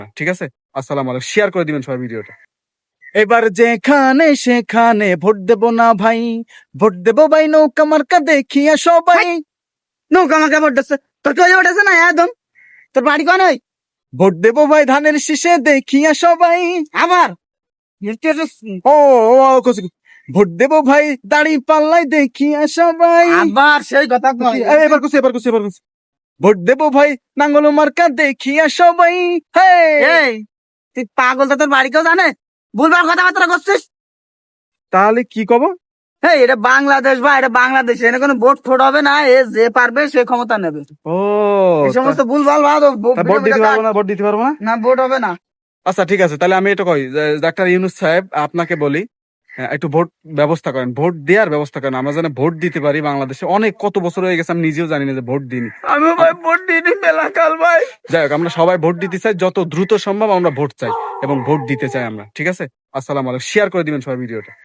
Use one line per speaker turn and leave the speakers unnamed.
ঠিক আছে? আসসালামু আলাইকুম। শেয়ার করে দিবেন সবাই ভিডিওটা। এবার যেখানে সেখানে ভোট দেব না ভাই, ভোট দেব ভাই নৌকা মার্কা দেখিয়া সবাই।
নৌকা আমাকে ভোট দিচ্ছে, তোর কেউ উঠেছে না একদম, তোর বাড়ি কোন ওই
ভোট দেব ভাই ধানের শীষে দেখিয়া সবাই।
আবার
ও ভোট দেব ভাই দাড়ি পাল্লাই দেখিয়া সবাই।
আবার সেই কথা কয়।
এবার কুছি। ভোট দেব ভাই নাঙ্গল মার্কা দেখিয়া সবাই।
এই তুই পাগল, তো তোর বাড়ি কেউ জানে? ভুলভাল কথাবার্তা করছিস।
তাহলে কি কব?
হ্যাঁ, এটা বাংলাদেশ বা এটা বাংলাদেশ, এখানে কোনো ভোট ফোট হবে না, এ যে পারবে সে ক্ষমতা নেবে।
ও
এই সমস্ত ভুলভাল
ভোট দিতে পারবো না, ভোট দিতে পারবো না।
না, ভোট হবে না।
আচ্ছা ঠিক আছে, তাহলে আমি এটা কই ডাক্তার ইউনূস সাহেব আপনাকে বলি, একটু ভোট ব্যবস্থা করেন, ভোট দেওয়ার ব্যবস্থা করেন, আমরা যেন ভোট দিতে পারি। বাংলাদেশে অনেক কত বছর হয়ে গেছে আমি নিজেও জানি না যে ভোট দিইনি।
আমি ভাই ভোট দিইনি মেলা কাল ভাই।
যাই হোক, আমরা সবাই ভোট দিতে চাই, যত দ্রুত সম্ভব আমরা ভোট চাই এবং ভোট দিতে চাই আমরা। ঠিক আছে? আসসালামু আলাইকুম। শেয়ার করে দিবেন সবাই ভিডিওটা।